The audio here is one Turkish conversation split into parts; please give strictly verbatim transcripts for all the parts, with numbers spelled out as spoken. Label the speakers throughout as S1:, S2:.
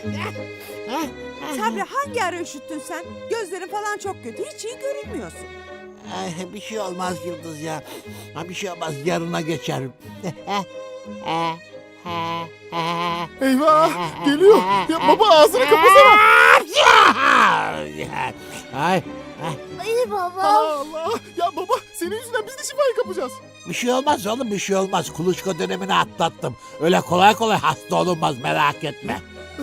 S1: Sabri hangi ara üşüttün sen? Gözlerin falan çok kötü. Hiç iyi görünmüyorsun.
S2: Ay, bir şey olmaz Yıldız ya. Ha, bir şey olmaz, yarına geçerim.
S3: Eyvah geliyor. Ya baba ağzını kapasana.
S2: Ay,
S4: Ay baba.
S3: Allah. Ya baba senin yüzünden biz de şifayı kapacağız.
S2: bir şey olmaz oğlum, bir şey olmaz. Kuluçka dönemini atlattım. Öyle kolay kolay hasta olunmaz, merak etme.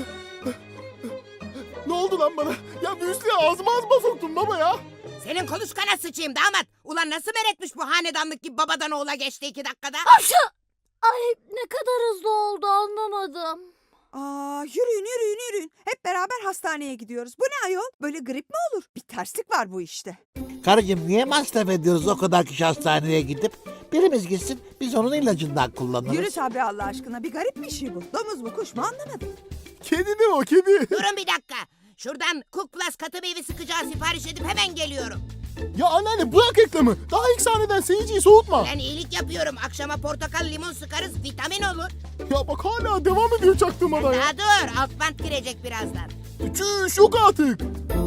S3: Ne oldu lan bana? Ya müslüğü ağzıma ağzıma soktun baba ya.
S5: Senin kuluçkana sıçayım damat. Ulan nasıl meretmiş bu hanedanlık gibi babadan oğula geçti iki dakikada?
S4: Aşağı. Ay ne kadar hızlı oldu anlamadım.
S1: Aa, yürüyün yürüyün yürüyün. Hep beraber hastaneye gidiyoruz. Bu ne ayol? Böyle grip mi olur? Bir terslik var bu işte.
S2: Karıcığım, niye masraf ediyoruz o kadar kişi hastaneye gidip? Birimiz gitsin, biz onun ilacından kullanırız.
S1: Yürü Sabri Allah aşkına. Bir garip bir şey bu. Domuz mu kuş mu anlamadım.
S3: Kedi de o kedi.
S5: Durun bir dakika. Şuradan Cook Plus katı meyve sıkacağı sipariş edip hemen geliyorum.
S3: Ya anneanne bırak reklamı. Daha ilk sahneden seyirciyi soğutma.
S5: Ben iyilik yapıyorum. Akşama portakal limon sıkarız, vitamin olur.
S3: Ya bak hala devam ediyor çaktırmadan ya.
S5: Daha dur, alt bant girecek birazdan.
S3: Çüş yok artık.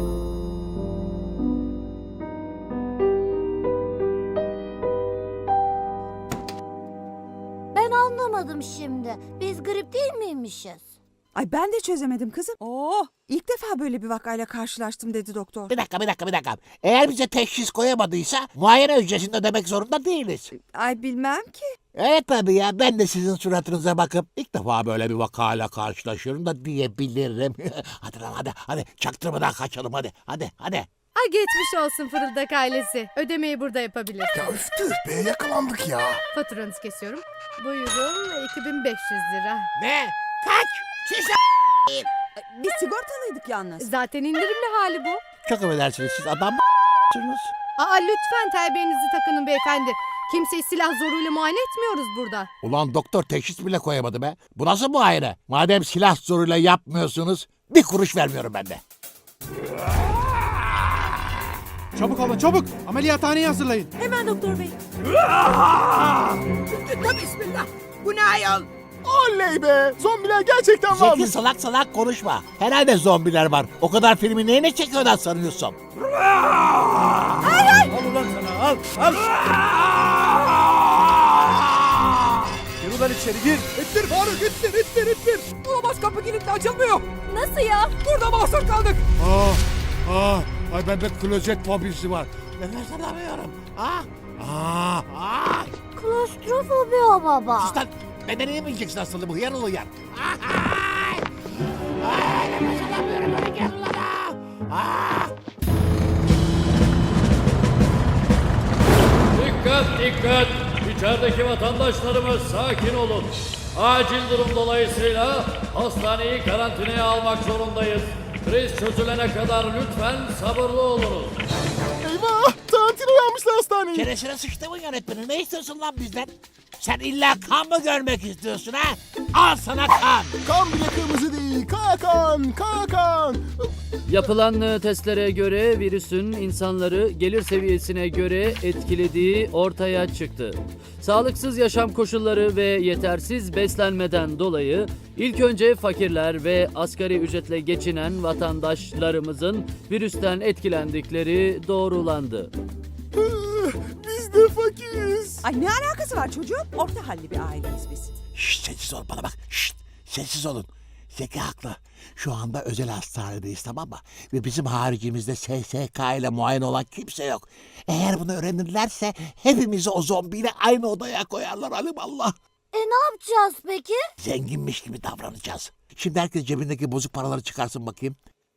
S4: Ben anlamadım şimdi. Biz grip değil miymişiz?
S1: Ay ben de çözemedim kızım. Oo, ilk defa böyle bir vakayla karşılaştım dedi doktor.
S2: Bir dakika, bir dakika, bir dakika. Eğer bize teşhis koyamadıysa muayene ücretini ödemek zorunda değiliz.
S1: Ay bilmem ki.
S2: Evet tabii ya, ben de sizin suratınıza bakıp ilk defa böyle bir vakayla karşılaşıyorum da diyebilirim. Hadi lan hadi, hadi çaktırmadan kaçalım hadi, hadi, hadi.
S6: Ay geçmiş olsun Fırıldak ailesi. Ödemeyi burada yapabilir.
S3: Ya üftü be yakalandık ya.
S6: Faturanızı kesiyorum. Buyurun iki bin beş yüz lira.
S2: Ne? Kaç?
S5: Çüş
S1: Biz sigortalıydık yalnız.
S6: Zaten indirimli hali bu.
S2: Çok affedersiniz, siz adam mısınız?
S6: Aa lütfen terbiyenizi takının beyefendi. Kimseyi silah zoruyla muayene etmiyoruz burada.
S2: Ulan doktor teşhis bile koyamadı be. Bu nasıl muayene? Madem silah zoruyla yapmıyorsunuz, bir kuruş vermiyorum ben de.
S7: Çabuk olun çabuk. Ameliyathaneyi hazırlayın.
S1: Hemen doktor bey.
S5: Bismillah. Bu ne ayol?
S3: Oley be. Zombiler gerçekten
S2: Zeki
S3: varmış.
S2: salak salak konuşma. Herhalde zombiler var. O kadar filmi neyine çekiyorlar sanıyorsun?
S7: Al ulan sana al al. Gir ulan içeri gir.
S3: İttir Faruk ittir ittir ittir.
S1: Olamaz kapı kilitli açılmıyor.
S4: Nasıl ya?
S1: Burada mahsur kaldık.
S2: Ah, ah, ay bende klozet fobisi var. Nefes alamıyorum. Ah, ah, ah.
S4: Klostrofobi o baba.
S2: Sus lan, benden yemeyeceksin aslında bu hıyar ol hıyar. Ah, ay. Ay, nefes alamıyorum, öyle gel ulan ah. Ah.
S8: Dikkat dikkat! İçerideki vatandaşlarımız sakin olun. Acil durum dolayısıyla hastaneyi karantinaya almak zorundayız. Kriz çözülene kadar lütfen sabırlı olunuz.
S3: Eyvah. Tarantino'yu almışlar hastaneyi.
S2: Çenesine sıçtı mı yönetmenin? Ne istiyorsun lan bizden? Sen illa kan mı görmek istiyorsun ha? Al sana kan.
S3: Kan bile kırmızı değil. Kara kan. Kara kan.
S8: Yapılan e, testlere göre virüsün insanları gelir seviyesine göre etkilediği ortaya çıktı. Sağlıksız yaşam koşulları ve yetersiz beslenmeden dolayı ilk önce fakirler ve asgari ücretle geçinen vatandaşlarımızın virüsten etkilendikleri doğrulandı.
S3: Biz de fakiriz.
S1: Ay ne alakası var çocuğum? Orta halli bir aileyiz biz.
S2: Şşt, sessiz ol bana bak. Şşt, sessiz olun. Zeki haklı. Şu anda özel hastanedeyiz, tamam mı? Ve bizim haricimizde S S K ile muayene olan kimse yok. Eğer bunu öğrenirlerse hepimizi o zombiyle aynı odaya koyarlar alimallah.
S4: E ne yapacağız peki?
S2: Zenginmiş gibi davranacağız. Şimdi herkes cebindeki bozuk paraları çıkarsın bakayım.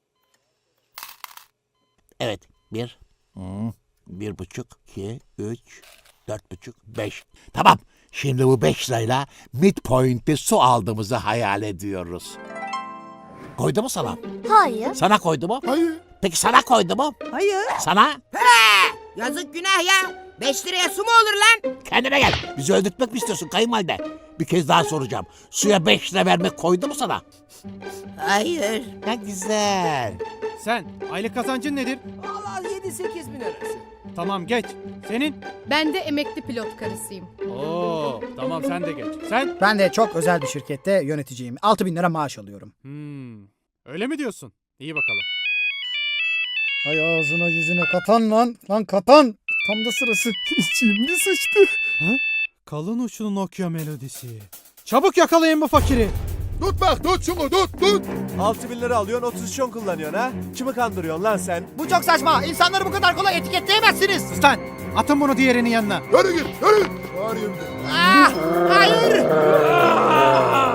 S2: Evet. Bir. Hmm, bir buçuk. iki. Üç. Dört buçuk. Beş. Tamam. Şimdi bu beş lirayla midpoint'te su aldığımızı hayal ediyoruz. Koydu mu sana?
S4: Hayır.
S2: Sana koydu mu?
S3: Hayır.
S2: Peki sana koydu mu?
S1: Hayır.
S2: Sana?
S5: He! Yazık günah ya. Beş liraya su mu olur lan?
S2: Kendine gel. Bizi öldürtmek mi istiyorsun kayınvalide? Bir kez daha soracağım. Suya beş lira vermek koydu mu sana?
S5: Hayır.
S2: Ne güzel.
S7: Sen aylık kazancın nedir?
S1: Vallahi yedi sekiz bin arası.
S7: Tamam geç. Senin?
S6: Ben de emekli pilot karısıyım.
S7: Oo tamam sen de geç. Sen?
S9: Ben de çok özel bir şirkette yöneticiyim. altı bin lira maaş alıyorum.
S7: Hmm. Öyle mi diyorsun? İyi bakalım.
S3: Ay ağzına yüzüne katan lan. Lan katan. Tam da sırası. Şimdi sıçtı.
S7: Kalın uçlu Nokia melodisi. Çabuk yakalayın bu fakiri.
S3: Tut bak tut şunu tut tut.
S9: altı bin lira alıyorsun, otuz şon kullanıyorsun ha? Kimi kandırıyorsun lan sen?
S2: Bu çok saçma. İnsanları bu kadar kolay etiketleyemezsiniz.
S7: Sus lan. Atın bunu diğerinin yanına.
S3: Yürü git yürü. Bağırıyorum.
S2: Ah, hayır.